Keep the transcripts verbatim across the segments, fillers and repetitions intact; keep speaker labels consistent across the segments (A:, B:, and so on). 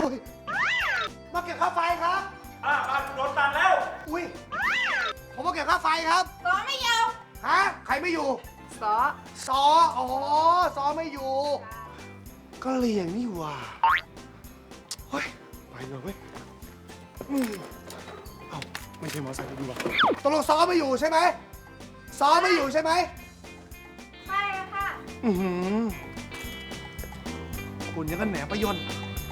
A: อุ้ยมาเก็บค่าไฟครับ
B: อ่าบ้านโดนตัดแล้ว
A: อุ้ยผมมาเก็บค่าไฟครับ
C: ซอไม่อยู่
A: ฮะใครไม่อยู่
C: ซอ
A: ซออ๋อซอไม่อยู่ ก็เลี่ยงนี่หว่าเฮ้ยไปเลยเว้ยอืมเอ้าไม่ใช่มอเตอร์ไซค์ดีกว่าตกลงซอไม่อยู่ใช่ไหมซอไม่อยู่ใช่ไหม
C: ใช่ค่ะ
A: อือหือคุณยังกันแหนประยนต์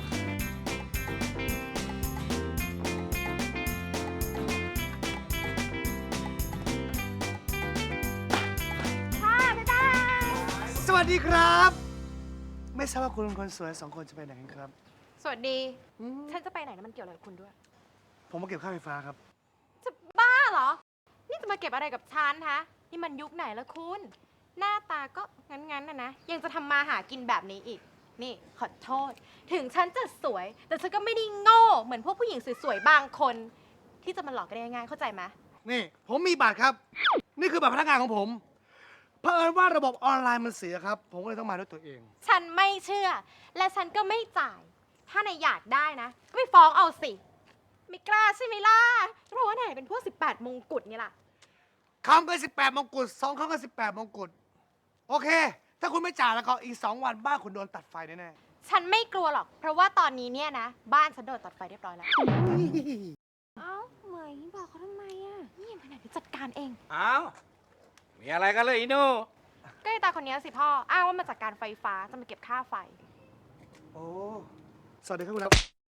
C: ค่ะบ๊ายบาย
A: สวัสดีครับ ไม่ทราบว่าคุณคนสวยสองคนจะไปไหนกันครับ
C: สวัสดี
A: อืม
C: ฉันจะไปไหนนะมันเกี่ยวอะไรกับคุณด้วย
A: ผมมาเก็บค่าไฟฟ้าครับ
C: จะบ้าเหรอ นี่จะมาเก็บอะไรกับฉันฮะ นี่มันยุคไหนแล้วคุณ หน้าตาก็งั้นๆนะนะ ยังจะทำมาหากินแบบนี้อีก นี่ขอโทษ ถึงฉันจะสวย แต่ฉันก็ไม่ได้โง่ เหมือนพวกผู้หญิงสวยๆ บางคน ที่จะมาหลอกกันได้ง่ายๆเข้าใจไหม
A: นี่ ผมมีบัตรครับ นี่คือบัตรพนักงานของผมเผอิญว่าระบบออนไลน์มันเสียครับ ผมก็เลยต้องมาด้วยตัวเอง
C: ฉันไม่เชื่อ และฉันก็ไม่จ่าย ถ้านายอยากได้นะ ก็ไปฟ้องเอาสิ ไม่กล้าใช่ไหมล่ะ เพราะว่านายเป็นพวกสิบแปดมงกุฎไงล่ะ
A: คำก็สิบแปดมงกุฎสองคำก็สิบแปดมงกุฎโอเค ถ้าคุณไม่จ่ายแล้วก็อีกสองวันบ้านคุณโดนตัดไฟแน่
C: ฉันไม่กลัวหรอก เพราะว่าตอนนี้เนี่ยนะ บ้านฉันโดนตัดไฟเรียบร้อยแล้ว
A: ๆ
C: เอ้าเหมยบอกเขาทำไมอ่ะ นี่ยังไปไหนเดี๋ยวจัดการเอง
B: อ้าว มีอะไรกันเลยอีโน่
C: ก็ไอ้ตาคนนี้สิพ่อ อ้างว่ามาจากการไฟฟ้าจะมาเก็บค่าไฟ
A: โอ้สวัสดีครับคุณครับ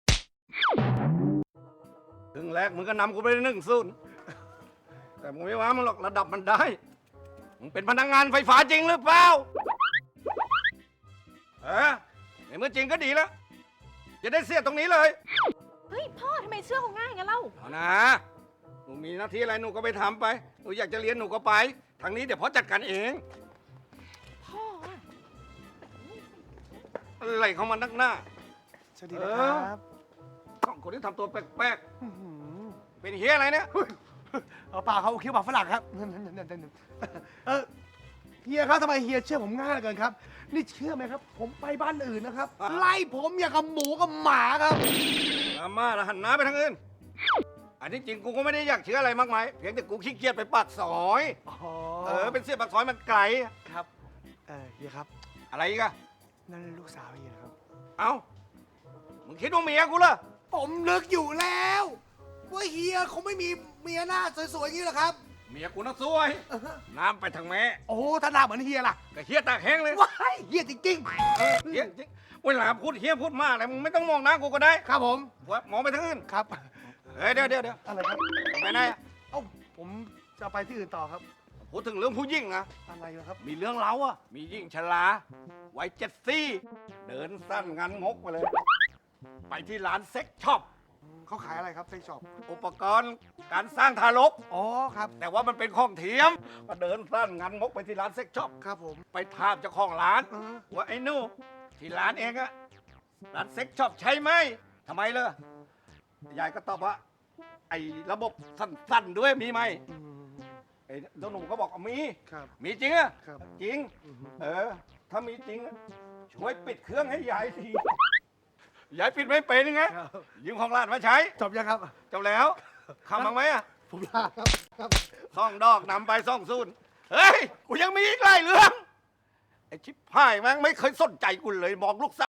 B: ถึงแรกมึงก็นำกูไปหนึ่งศูนย์แต่มึงไม่ว่ามึงหรอกระดับมันได้ มึงเป็นพนักงานไฟฟ้าจริงหรือเปล่าเออในเมื่อจริงก็ดีแล้ว จะได้เสียตรงนี้เลย
C: เฮ้ยพ่อทำไมเชื่อเขาง่ายงั้นเล่า
B: เอานะ หนูมีหน้าที่อะไรหนูก็ไปทำไป หนูอยากจะเรียนหนูก็ไป ทางนี้เดี๋ยวพ่อจัดการเอง
C: พ่ออะ
B: อะไรเขามานักหน้า
A: สวัสดีนะครับ
B: สองคนที่ทำตัวแปลก
A: อื้อหือ
B: ๆ เป็นเฮียอะไรเนี่ย
A: เอาเปล่าเขาคิ้วปากฝรั่งครับเออเฮียครับทำไมเฮียเชื่อผมง่ายเหลือเกินครับ นี่เชื่อไหมครับ ผมไปบ้านอื่นนะครับ
B: อ่ะ
A: ไล่ผมอย่างกับหมูกับหมาครับ
B: อาม่าแล้วหันหน้าไปทางอื่น อันนี้จริงกูก็ไม่ได้อยากเชื่ออะไรมากมาย เพียงแต่กูขี้เกียจไปปากซอย
A: อ๋อ
B: เออ เป็นเสียปากซอยมันไกล
A: ครับเออเฮียครับ
B: อะไรอีกอะ
A: นั่นลูกสาวเฮียนะครับ
B: เอ้า มึงคิดว่าเมียกูเหรอ
A: ผมนึกอยู่แล้วว่าเฮียคงไม่มีเมียหน้าสวยๆอย่างนี้หรอกครับ
B: เมียกูน่ะสวย
A: เออ
B: น้ำไปทางแม่
A: โอ้โหถ้าหน้าเหมือนเฮียล่ะ
B: ก็เฮียตากแห้งเลย
A: ว้ายเฮียจริง
B: เออเฮียจริงเวลาพูดเฮียพูดมากเลยมึงไม่ต้องมองหน้ากูก็ได้
A: ๆครับผม
B: ว่ามองไปทางอื่น
A: ครับ
B: เฮ้ยเดี๋ยวเดี๋ยวเดี๋ยว
A: อะไรครับ
B: ไปไหนอะ
A: เอ้าผมจะไปที่อื่นต่อครับ
B: พูดถึงเรื่องผู้หญิงนะ
A: อะไรนะครับ
B: มีเรื่องเล้าอะมีหญิงชราวัยเจ็ดซี่ เดินสั้นงันงกไปเลย ไปที่ร้านเซ็กช็อป
A: เขาขายอะไรครับเซ็กช็อป
B: อุปกรณ์การสร้างทารก
A: อ๋อครับ
B: แต่ว่ามันเป็นของเทียมก็เดินสั้นงันงกไปที่ร้านเซ็กช็อป
A: ครับผม
B: ไปถามเจ้าของร้าน
A: เออ
B: ว่าไอ้หนู่ที่ร้านเองอะร้านเซ็กช็อปใช่ไหมทำไมเลยยายก็ตอบว่า ไอ้ระบบสั้นๆด้วยมีไหม
A: อืม
B: ไอ้เจ้าหนุ่มก็บอกว่ามี
A: ครับ
B: มีจริงอะ
A: ครับ
B: จริง
A: อือฮึ
B: เออ ถ้ามีจริงอะช่วยปิดเครื่องให้ยายทียายปิดไม่เป็นยังไง
A: ครับ
B: ยืมของร้านมาใช้
A: จบยังครับ
B: จบแล้วคำบ้างไหมอะ
A: ผมลาครับครับ
B: ซ่องดอกนำไปซ่องซูนเฮ้ย กูยังมีอีกหลายเรื่อง ไอ้ชิบหายแม่งไม่เคยสนใจกูเลยมองลูกสาว